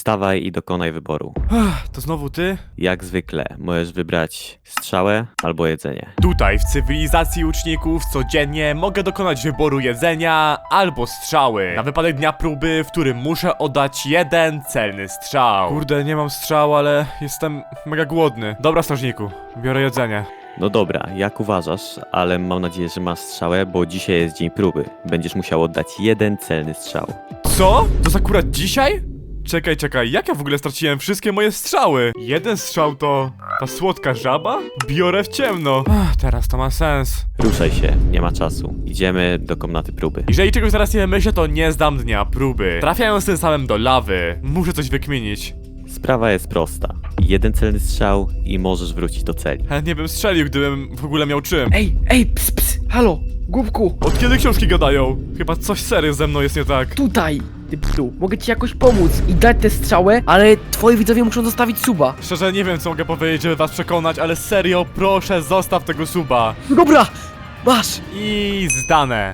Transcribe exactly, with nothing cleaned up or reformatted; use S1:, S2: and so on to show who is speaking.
S1: Wstawaj i dokonaj wyboru.
S2: Ach, to znowu ty?
S1: Jak zwykle, możesz wybrać strzałę albo jedzenie.
S2: Tutaj w cywilizacji łuczników codziennie mogę dokonać wyboru jedzenia albo strzały. Na wypadek dnia próby, w którym muszę oddać jeden celny strzał. Kurde, nie mam strzału, ale jestem mega głodny. Dobra, strażniku, biorę jedzenie.
S1: No dobra, jak uważasz, ale mam nadzieję, że masz strzałę, bo dzisiaj jest dzień próby. Będziesz musiał oddać jeden celny strzał.
S2: Co? To jest akurat dzisiaj? Czekaj, czekaj, jak ja w ogóle straciłem wszystkie moje strzały? Jeden strzał to... ta słodka żaba? Biorę w ciemno. Ach, teraz to ma sens.
S1: Ruszaj się, nie ma czasu. Idziemy do komnaty próby.
S2: Jeżeli czegoś zaraz nie myślę, to nie zdam dnia próby. Trafiając tym samym do lawy, muszę coś wykminić.
S1: Sprawa jest prosta. Jeden celny strzał i możesz wrócić do celi.
S2: Chętnie bym strzelił, gdybym w ogóle miał czym.
S3: Ej, ej, ps, ps, halo, głupku,
S2: Od kiedy książki gadają? Chyba coś serio ze mną jest nie tak.
S3: tutaj, ty psu, mogę ci jakoś pomóc i dać tę strzałę, ale twoi widzowie muszą zostawić suba.
S2: Szczerze nie wiem co mogę powiedzieć, żeby was przekonać, ale serio proszę zostaw tego suba.
S3: No dobra, masz.
S2: I zdane.